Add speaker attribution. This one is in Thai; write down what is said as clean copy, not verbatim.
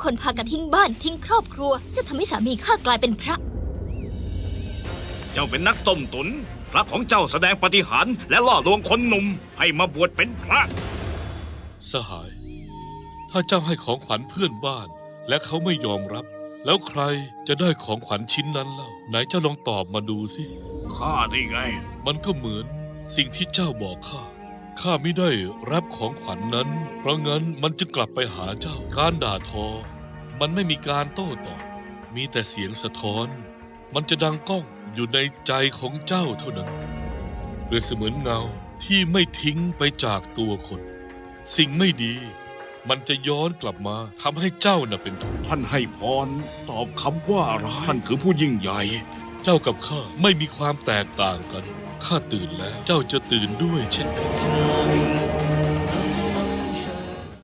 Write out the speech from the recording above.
Speaker 1: คนพากันทิ้งบ้านทิ้งครอบครัวจะทำให้สามีข้ากลายเป็นพระ
Speaker 2: เจ้าเป็นนักต้มตุนพระของเจ้าแสดงปาฏิหาริย์และล่อลวงคนหนุ่มให้มาบวชเป็นพระ
Speaker 3: สหาย ถ้าเจ้าให้ของขวัญเพื่อนบ้านและเขาไม่ยอมรับ แล้วใครจะได้ของขวัญชิ้นนั้นเล่าไหนเจ้าลองตอบมาดูสิ
Speaker 2: ข้าได้ไง
Speaker 3: มันก็เหมือนสิ่งที่เจ้าบอกข้าไม่ได้รับของขวัญนั้น เพราะงั้นมันจะกลับไปหาเจ้าการด่าทอ มันไม่มีการโต้ตอบมีแต่เสียงสะท้อน มันจะดังก้องอยู่ในใจของเจ้าเท่านั้นเปรียบเสมือนเงาที่ไม่ทิ้งไปจากตัวคน สิ่งไม่ดีมันจะย้อนกลับมาทำให้เจ้าน่ะเป็นทุกข์
Speaker 2: ท่านให้พรตอบคำว่าร้ายท่านคือผู้ยิ่งใหญ่
Speaker 3: เจ้ากับข้าไม่มีความแตกต่างกันข้าตื่นแล้วเจ้าจะตื่นด้วยเช่นกัน